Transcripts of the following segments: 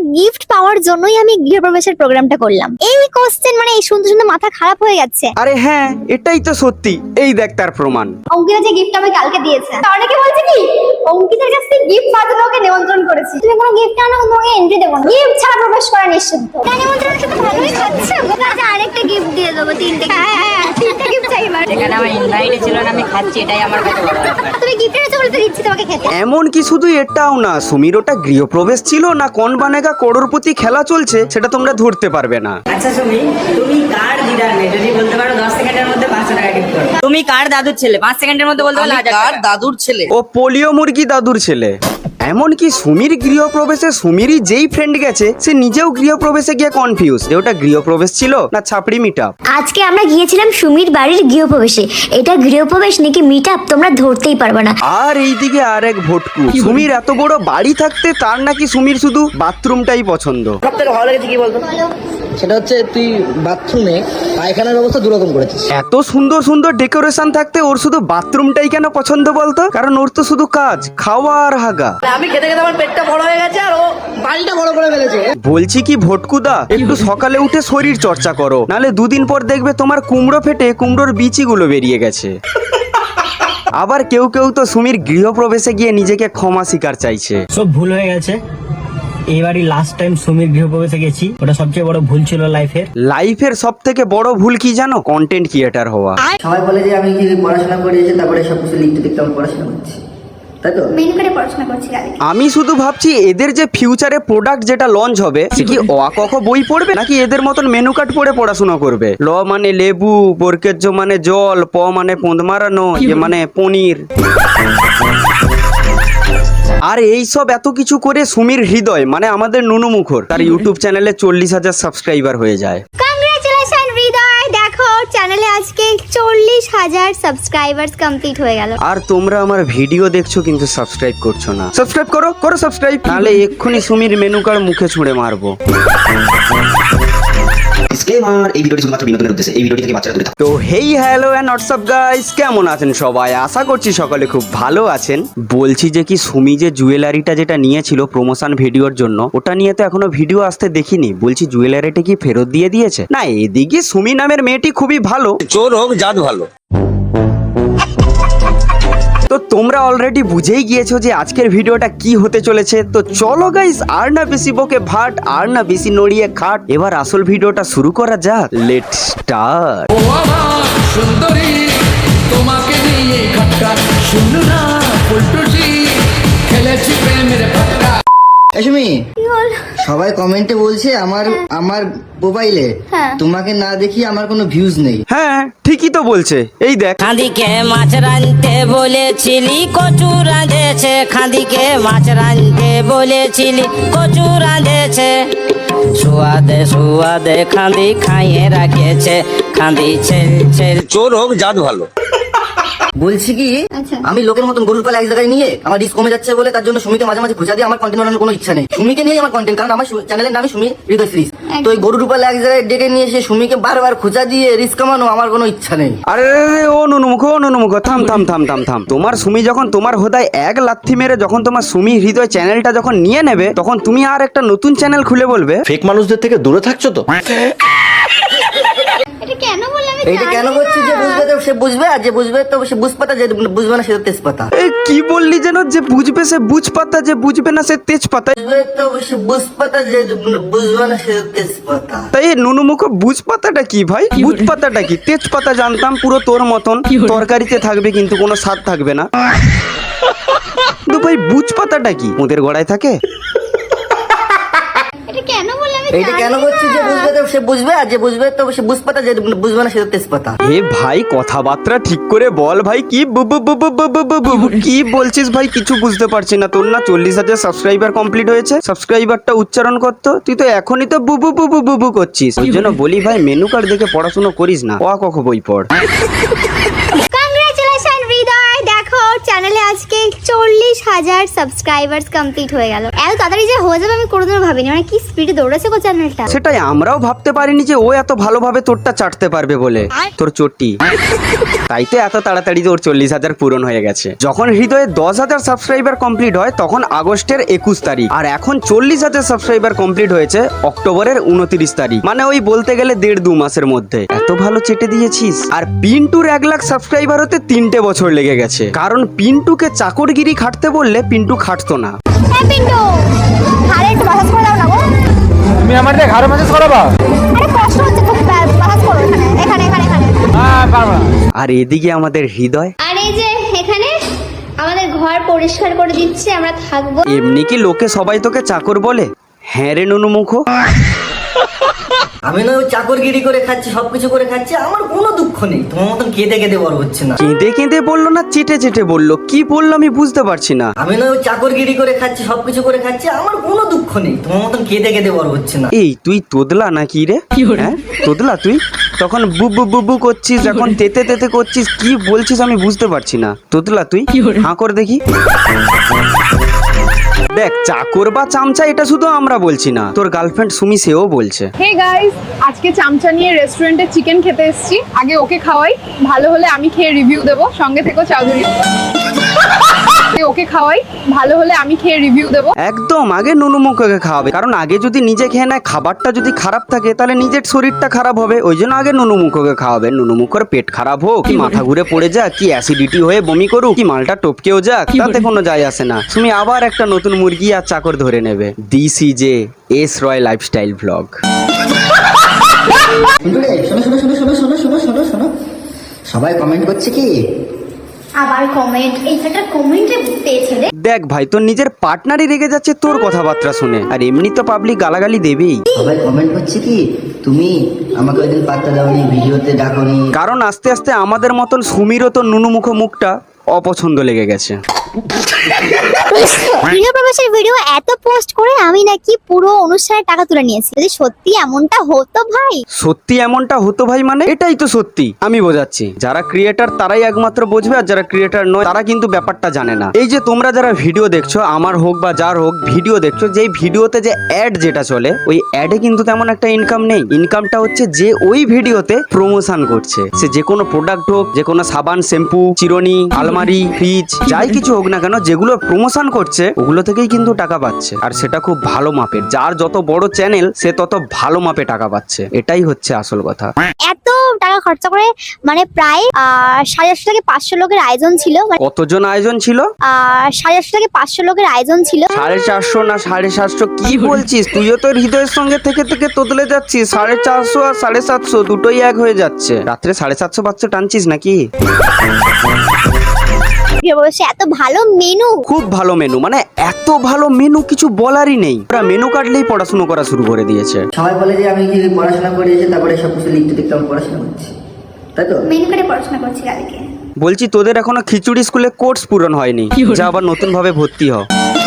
Gift পাওয়ার জন্যই আমি গৃহপ্রবেশের প্রোগ্রামটা করলাম। এই কোশ্চেন মানে এই শুনতে শুনতে মাথা খারাপ হয়ে যাচ্ছে। আরে হ্যাঁ, এটাই তো সত্যি। এই দেখ তার প্রমাণ। অঙ্কিতা যে গিফট আমাকে কালকে দিয়েছে, অনেকে বলছে কি অঙ্কিতার কাছ থেকে গিফট পাওয়ার জন্য ওকে নিমন্ত্রণ করেছি। তুমি কোনো গিফট আনো, তোমাকে এন্ট্রি দেবো না। গিফট ছাড়া প্রবেশ করা নিষিদ্ধ। তাই নিমন্ত্রণ শুধু ভালোই খাচ্ছে। ওকে আরেকটা গিফট দিয়ে দেবো, তিনটে। হ্যাঁ, তিনটে গিফট চাইবার। এখানে আমার ইনভাইটে ছিল না, আমি খাচ্ছি, এটাই আমার কাছে বড় ব্যাপার। তুমি গিফট এনেছো বলে তো দিচ্ছি তোমাকে খেতে। এমন কি শুধু এটাও না, সুমির ওটা গৃহপ্রবেশ ছিল না কোন বানেগা করোড়পতি খেলা চলছে সেটা তোমরা ধরতে পারবে না। আচ্ছা সুমি, তুমি কার দিদার মেয়ে? যদি বলতে পারো 10 সেকেন্ডের মধ্যে 500 টাকা গিফট করো। তুমি কার দাদুর ছেলে? 5 সেকেন্ডের মধ্যে বলতে পারলে 1000 কার টাকা। দাদুর ছেলে? ও পোলিও মুরগি দাদুর ছেলে। এমনকি সুমির গৃহপ্রবেশে সুমিরই যেই ফ্রেন্ড গেছে সে নিজেও গৃহপ্রবেশে গিয়ে কনফিউজ যে ওটা গৃহপ্রবেশ ছিল না ছাপড়ি মিটআপ। আজকে আমরা গিয়েছিলাম সুমির বাড়ির গৃহপ্রবেশে। এটা গৃহপ্রবেশ নাকি মিটআপ তোমরা ধরতেই পারবে না। আর এইদিকে আরেক ভটকু, সুমির এত বড় বাড়ি থাকতে তার নাকি সুমির শুধু বাথরুমটাই পছন্দ। সব থেকে ভালো লেগেছে কি বলতো? সেটা হচ্ছে তুই বাথরুমে পায়খানার ব্যবস্থা দুরকম করেছিস। এত সুন্দর সুন্দর ডেকোরেশন থাকতে ওর শুধু বাথরুমটাই কেন পছন্দ বলতো? কারণ ওর তো শুধু কাজ খাওয়া আর হাগা। আমি খেতে খেতে আমার পেটটা বড় হয়ে গেছে আর ও বাড়িটা বড় করে ফেলেছে। বলছি কি ভটকুদা, একটু সকালে উঠে শরীর চর্চা করো, নালে দুদিন পর দেখবে তোমার কুমড়ো ফেটে কুমড়োর বিচিগুলো বেরিয়ে গেছে। আবার কেউ কেউ তো সুমির গৃহপ্রবেশে গিয়ে নিজেকে ক্ষমা স্বীকার চাইছে। সব ভুল হয়ে গেছে। এবারই লাস্ট টাইম সুমির গৃহপ্রবেশে গেছি, ওটা সবচেয়ে বড় ভুল ছিল লাইফের সব থেকে বড় ভুল কি জানো? কন্টেন্ট ক্রিয়েটার হওয়া। সবাই বলে যে আমি কি পড়াশোনা করেছি, তারপরে সব কিছু লিখতে লিখতে আমি পড়াশোনা করছি, তাই তো? মেনু করে পড়াশোনা করছি কালকে। আমি শুধু ভাবছি এদের যে ফিউচারে প্রোডাক্ট যেটা লঞ্চ হবে সে কি অ আ ক খ বই পড়বে নাকি এদের মতন মেনু কার্ড পড়ে পড়াশোনা করবে। ল মানে লেবু, বরকেজ মানে জল, প মানে পোঁদ মারানো, এ মানে পনির। আর এই সব এত কিছু করে সুমির হৃদয় মানে আমাদের নুনু মুখর তার ইউটিউব চ্যানেলে 40,000 সাবস্ক্রাইবার হয়ে যায়। কংগ্রাচুলেশন হৃদয়, দেখো চ্যানেলে আজকে 40,000 সাবস্ক্রাইবার্স কমপ্লিট হয়ে গেল। আর তোমরা আমার ভিডিও দেখছো কিন্তু সাবস্ক্রাইব করছো না। সাবস্ক্রাইব করো, করো সাবস্ক্রাইব, নাহলে এক্ষুনি সুমির মেনু কার্ড মুখে ছুঁড়ে মারবো। এই ভিডিওটি শুধুমাত্র বিনোদনের উদ্দেশ্যে, এই ভিডিওটি থেকে বাচ্চারা দূরে থাকুন। তো hey hello and WhatsApp guys, কেমন আছেন সবাই? আশা করছি সকলে খুব ভালো আছেন। বলছি যে কি সুমি যে জুয়েলারিটা যেটা নিয়েছিল প্রমোশন ভিডিওর জন্য, ওটা নিয়ে তো এখনো ভিডিও আসতে দেখিনি। বলছি জুয়েলারিটা কি ফেরত দিয়ে দিয়েছে? না, এদিকে সুমি নামের মেয়েটি খুবই ভালো, চোর হোক জাত ভালো। তো তোমরা অলরেডি বুঝেই গিয়েছো যে আজকের ভিডিওটা কি হতে চলেছে। তো চলো গাইস, আর না বেশি বকে ভাট, আর না বেশি নড়িয়ে খাট, এবার আসল ভিডিওটা শুরু করা যাক। Let start. ও আমার সুন্দরী, তোমাকে নিয়ে খটকা শুনু না ফুলটুসি, খেলেছি প্রেমের ফাটকা। সুমি, সবাই কমেন্টে বলছে আমার মোবাইলে তোমাকে না দেখি আমার কোনো ভিউজ নেই। হ্যাঁ ঠিকই তো বলছে, এই দেখ। খাদিকে মাছ রাঁধতে বলেছিলি কচু রাঁধেছে, খাদিকে মাছ রাঁধতে বলেছিলি কচু রাঁধেছে, সুয়াদে সুয়াদে খাদি খাইয়ে রাখেছে, খাদি ছেল ছেল। চোর হোক জাত ভালো। বলছি কি, আমি লোকের মতন গরুর পালা এক জায়গায় নিয়ে আমার রিস্ক কমে যাচ্ছে বলে তার জন্য সুমিকে মাঝে মাঝে খোঁজা দিয়ে আমার কন্টেন্ট বানানোর কোনো ইচ্ছা নেই। সুমিকে নিয়ে আমার কন্টেন্ট, কারণ আমার চ্যানেলের নামই সুমি হৃদয় সিরিজ। তো এই গরুর পালা এক জায়গায় ডেকে নিয়ে এসে সুমিকে বারবার খোঁজা দিয়ে রিস্ক কামানো আমার কোনো ইচ্ছা নেই। আরে ও নুনুমুখ, ও নুনুমুখ, থাম থাম থাম থাম থাম। তোমার সুমি যখন তোমার হোদায় এক লাথি মেরে যখন তোমার সুমি হৃদয় চ্যানেলটা যখন নিয়ে নেবে, তখন তুমি আর একটা নতুন চ্যানেল খুলে বলবে ফেক মানুষদের থেকে দূরে থাকছো তো। এটা কেন বললাম? এইটা কেন করছি? যে বুঝবে তো সে বুঝবে, আর যে বুঝবে তো সে বুঝপাতা, যে বুঝবে না সে তো তেজপাতা। কি বললি যেন? যে বুঝবে সে বুঝপাতা, যে বুঝবে না সে তেজপাতা। বুঝবে তো সে বুঝপাতা, যে বুঝবে না সে তেজপাতা। তাই নুনুমুখ বুঝপাতাটা কি ভাই? বুঝপাতাটা কি? তেজপাতা জানতাম পুরো তোর মতন, তরকারিতে থাকবে কিন্তু কোনো স্বাদ থাকবে না। কিন্তু ভাই বুঝপাতাটা কি? ওদের গড়ায় থাকে। এটা কেন বললাম? এইটা কেন করছি? যে বুঝবে তো সে বুঝবে, আর যে বুঝবে তো সে বুঝপাতা, যে বুঝবে না সে তো তেজপাতা। এ ভাই কথাবার্তা ঠিক করে বল ভাই, কি কি বলছিস ভাই? কিছু বুঝতে পারছি না। তোর না 40,000 সাবস্ক্রাইবার কমপ্লিট হয়েছে, সাবস্ক্রাইবারটা উচ্চারণ করতো, তুই তো এখনই তো বুবু করছিস। ওই জন্য বলি ভাই মেনু কার্ড দেখে পড়াশোনা করিস না, অ ক খ বই পড়। কংগ্রাচুলেশন হৃদয়, দেখো চ্যানেলে আজকে 40,000 সাবস্ক্রাইবার্স কমপ্লিট হয়ে গেল। এত তাড়াতাড়ি যে হয়ে যাবে আমি কোনোদিনও ভাবিনি, মানে কি স্পিডে দৌড়েছে গো চ্যানেলটা। সেটাই আমরাও ভাবতে পারিনি যে ও এত ভালোভাবে তোরটা চাটতে পারবে বলে, তোর চটি। তাই তো এত তাড়াতাড়ি ওর 40,000 পূরণ হয়ে গেছে। যখন হৃদয়ে 10,000 সাবস্ক্রাইবার কমপ্লিট হয় তখন আগস্টের 21 তারিখ, আর এখন 40,000 সাবস্ক্রাইবার কমপ্লিট হয়েছে অক্টোবরের 29 তারিখ, মানে ওই বলতে গেলে 1.5-2 মাসের মধ্যে। এত ভালো চেটে দিয়েছিস। আর পিন্টুর 1 লাখ সাবস্ক্রাইবার হতে 3টে বছর লেগে গেছে, কারণ পিন্টুকে চাকরগিরি খাটতে বললে পিন্টু খাটতো না। হ্যাঁ পিন্টু, ঘাড়ে একটু মাসাজ করে দাও না গো। তুমি আমার ঘরে মাঝে করাবা? আরে কষ্ট হচ্ছে খুব, মাসাজ করো এখানে এখানে এখানে এখানে। আর এদিকে আমাদের হৃদয় আর এই যে এখানে আমাদের ঘর পরিষ্কার করে দিচ্ছে, আমরা থাকবো। এমনি কি লোকে সবাই তোকে চাকর বলে? হ্যাঁ রে নুনুমুখ। আমি না ওই চাকরগিরি করে খাচ্ছি, সবকিছু করে খাচ্ছি, আমার কোনো দুঃখ নেই। তোমার মতন কেঁদে কেঁদে বড় হচ্ছে না। কেঁদে কেঁদে বললো না চেটে চেটে বললো? কি বললো আমি বুঝতে পারছি না। আমি না ওই চাকরগিরি করে খাচ্ছি, সবকিছু করে খাচ্ছি, আমার কোনো দুঃখ নেই। তোমার মতন কেঁদে কেঁদে বড় হচ্ছে না। এই তুই তোদলা নাকি রে? হ্যাঁ তোদলা তুই? তখন বুবু বুবু করছিস, এখন তেতে তেতে করছিস, কি বলছিস আমি বুঝতে পারছি না। তোদলা তুই? হাঁ কর দেখি। দেখ, চাকর বা চামচা এটা শুধু আমরা বলছি না, তোর গার্লফ্রেন্ড সুমি সেও বলছে। হে গাইস, আজকে চামচা নিয়ে রেস্টুরেন্টে চিকেন খেতে এসেছি। আগে ওকে খাওয়াই, ভালো হলে আমি খেয়ে রিভিউ দেবো। সঙ্গে থেকো চৌধুরী। ওকে খাওয়াই, ভালো হলে আমি খেয়ে রিভিউ দেবো। একদম আগে নুনুমুখকে খাওয়াবে, কারণ আগে যদি নিজে খেয়ে নেয়, খাবারটা যদি খারাপ থাকে তাহলে নিজের শরীরটা খারাপ হবে। ওই জন্য আগে নুনুমুখকে খাওয়াবে। নুনুমুখের পেট খারাপ হোক, কি মাথা ঘুরে পড়ে যাক, কি অ্যাসিডিটি হয়ে বমি করুক, কি মালটা টপকেও যাক, তাতে কোনো যায় আসে না। তুমি আবার একটা নতুন মুরগি আর চাকর ধরে নেবে। This is S Roy lifestyle blog. শোনো শোনো শোনো শোনো শোনো শোনো শোনো শোনো, সবাই কমেন্ট করছে কি? আবার কমেন্ট, এইটা কমেন্টে পেয়েছে রে। দেখ ভাই, তোর নিজের পার্টনারই রেগে যাচ্ছে তোর কথাবার্তা শুনে, আর এমনি তো পাবলিক গালাগালি দেবেই। সবাই কমেন্ট করছে কি, তুমি আমাকে ওইদিন পাত্তা দাওনি, ভিডিওতে ডাকনি। কারণ আস্তে আস্তে আমাদের মতন সুমিরও তো নুনুমুখ মুখটা অপছন্দ লেগে গেছে। গৃহ প্রবেশের ভিডিও এত পোস্ট করে আমি নাকি পুরো অনুষ্ঠানের টাকা তুলে নিয়েছি। যদি সত্যি এমনটা হতো ভাই, সত্যি এমনটা হতো ভাই, মানে এটাই তো সত্যি। আমি বোঝাচ্ছি, যারা ক্রিয়েটার তারাই একমাত্র বুঝবে, আর যারা ক্রিয়েটার নয় তারা কিন্তু ব্যাপারটা জানে না। এই যে তোমরা যারা ভিডিও দেখছো, আমার হোক বা যার হোক, ভিডিও দেখছো, যে ভিডিওতে যে অ্যাড যেটা চলে, ওই অ্যাডে কিন্তু তেমন একটা ইনকাম নেই। ইনকামটা হচ্ছে যে ওই ভিডিওতে প্রমোশন করছে, সে যে কোনো প্রোডাক্ট হোক, যে কোনো সাবান, শ্যাম্পু, চিরুনি, আলমারি, ফ্রিজ, যাই কিছু হোক না কেন, যেগুলো প্রমোশন করছে ওগুলো থেকেই কিন্তু টাকা পাচ্ছে। আর সেটা খুব ভালো মাপের। যার যত বড় চ্যানেল সে তত ভালো মাপে টাকা পাচ্ছে, এটাই হচ্ছে আসল কথা। এত টাকা খরচা করে মানে প্রায় 850 থেকে 500 লোকের আয়োজন ছিল। কতজন আয়োজন ছিল? 850 থেকে 500 লোকের আয়োজন ছিল। 450 না 750? কি বলছিস? তুইও তোর হৃদয়ের সঙ্গে থেকে থেকে তোদলে যাচ্ছিস। 450 আর 750 দুটোই এক হয়ে যাচ্ছে। রাত্রে 750 বাচ্চা টানছিস নাকি? এত ভালো মেনু, খুব ভালো মেনু, মানে এত ভালো মেনু কিছু বলারই নেই। ওরা মেনু কাটলেই পড়াশুনো করা শুরু করে দিয়েছে। সবাই বলে যে আমি যে পড়াশোনা করেছি, তারপরে সব কিছু লিখতে লিখতে আমি পড়াশোনা করছি, তাই তো? মেনু করে পড়াশোনা করছি কালকে। বলছি, তোদের এখনো খিচুড়ি স্কুলে কোর্স পূরণ হয়নি, যা আবার নতুন ভাবে ভর্তি হ।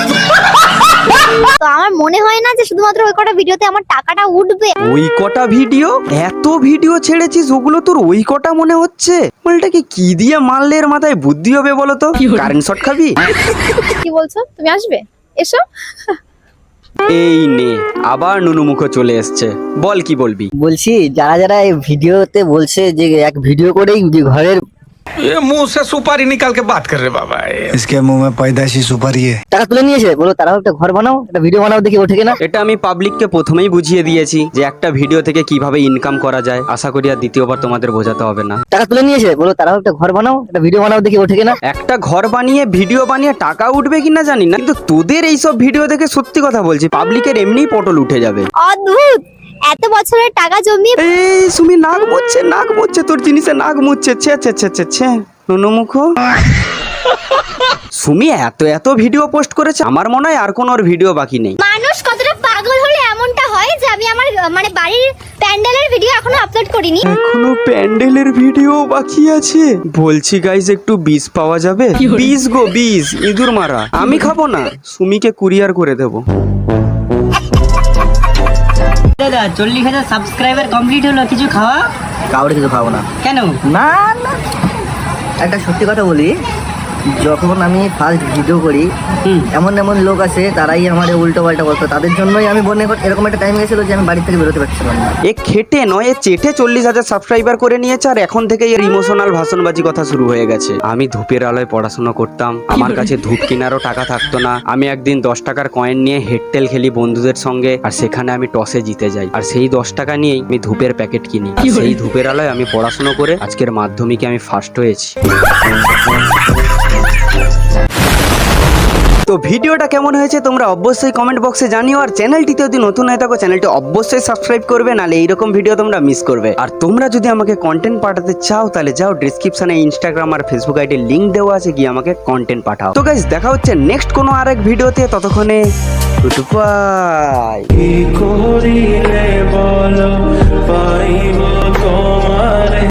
তো আমার মনে হয় না যে শুধুমাত্র ওই কটা ভিডিওতে আমার টাকাটা উঠবে। ওই কটা ভিডিও? এত ভিডিও ছেড়েছিস, ওগুলো তোর ওই কটা মনে হচ্ছে? মালটাকে কি দিয়ে মারলে এর মাথায় বুদ্ধি হবে বলো তো? কারেন্ট শট খাবি? কি বলছো? তুমি আসবে? এসো। এই নে, আবার নুনুমুখ চলে এসছে। বল কি বলবি? বলছি, যারা যারা এই ভিডিওতে বলছে যে এক ভিডিও করেই যে ঘরের ये मुंह से सुपारी निकाल के बात कर रहे बाबा। इसके मुंह में पैदाइशी सुपारी है। টাকা তুলে নিয়েছে, বলো তারাও একটা ঘর বানাও, একটা ভিডিও বানাও, দেখি ওঠে কিনা। এটা আমি পাবলিককে প্রথমেই বুঝিয়ে দিয়েছি যে একটা ভিডিও থেকে কিভাবে ইনকাম করা যায়। আশা করি আর দ্বিতীয়বার তোমাদের বোঝাতে হবে না। টাকা তুলে নিয়েছে, বলো তারাও একটা ঘর বানাও, একটা ভিডিও বানাও, দেখি ওঠে কিনা। একটা ঘর বানিয়ে ভিডিও বানিয়ে টাকা উঠবে কিনা জানি না, কিন্তু তোদের এইসব ভিডিও দেখে সত্যি কথা বলছি, পাবলিকের এমনিই পটল উঠে যাবে। অদ্ভুত, এত বছরের টাকা জমিয়ে। এই সুমি নাক মুচ্ছে, তোর জিনিসে নাক মুচ্ছে। ছে ছে ছে ছে ছে নুনুমুখ। সুমি এত ভিডিও পোস্ট করেছে, আমার মনে হয় আর কোনো ওর ভিডিও বাকি নেই। মানুষ কতটা পাগল হলে এমনটা হয় যে আমি আমার মানে বাড়ির প্যান্ডেলের ভিডিও এখনো আপলোড করিনি। এখনো প্যান্ডেলের ভিডিও বাকি আছে? বলছি গাইস, একটু বীজ পাওয়া যাবে? বীজ গো, বীজ, ইঁদুর মারা। আমি খাবো না, সুমিকে কুরিয়ার করে দেবো। দাদা 40,000 সাবস্ক্রাইবার কমপ্লিট হলো, কিছু খাওয়া? কাউরে কিছু খাবো না। কেন? না না, একটা সত্যি কথা বলি, যখন আমি ফার্স্ট ভিডিও করি এমন এমন লোক আছে তারাই আমার উল্টো পাল্টা বলতো, তাদের জন্যই আমি মনে করি এরকম একটা টাইম গেছিল যে আমি বাড়ি থেকে বেরোতে পারছিলাম না। এ খেটে নয়, এ চেটে 40,000 সাবস্ক্রাইবার করে নিয়েছে, আর এখন থেকে এর ইমোশনাল ভাষণবাজি কথা শুরু হয়ে গেছে। আমি ধূপের আলোয় পড়াশোনা করতাম, আমার কাছে ধূপ কেনারও টাকা থাকতো না। আমি একদিন 10 টাকার কয়েন নিয়ে হেডটেল খেলি বন্ধুদের সঙ্গে, আর সেখানে আমি টসে জিতে যাই, আর সেই 10 টাকা নিয়েই আমি ধূপের প্যাকেট কিনি। আর সেই ধূপের আলোয় আমি পড়াশোনা করে আজকের মাধ্যমিকে আমি ফার্স্ট হয়েছি। তো ভিডিওটা কেমন হয়েছে তোমরা অবশ্যই কমেন্ট বক্সে জানিও, আর চ্যানেলটিতে যদি নতুন হয়ে থাকো চ্যানেলটি অবশ্যই সাবস্ক্রাইব করবে, নাহলে এইরকম ভিডিও তোমরা মিস করবে। আর তোমরা যদি আমাকে কন্টেন্ট পাঠাতে চাও তাহলে যাও ডেসক্রিপশনে ইনস্টাগ্রাম আর ফেসবুক আইডির লিংক দেওয়া আছে, গিয়ে আমাকে কন্টেন্ট পাঠাও। তো গাইস দেখা হচ্ছে নেক্সট কোনো আরেক ভিডিওতে, ততক্ষণে গুড বাই।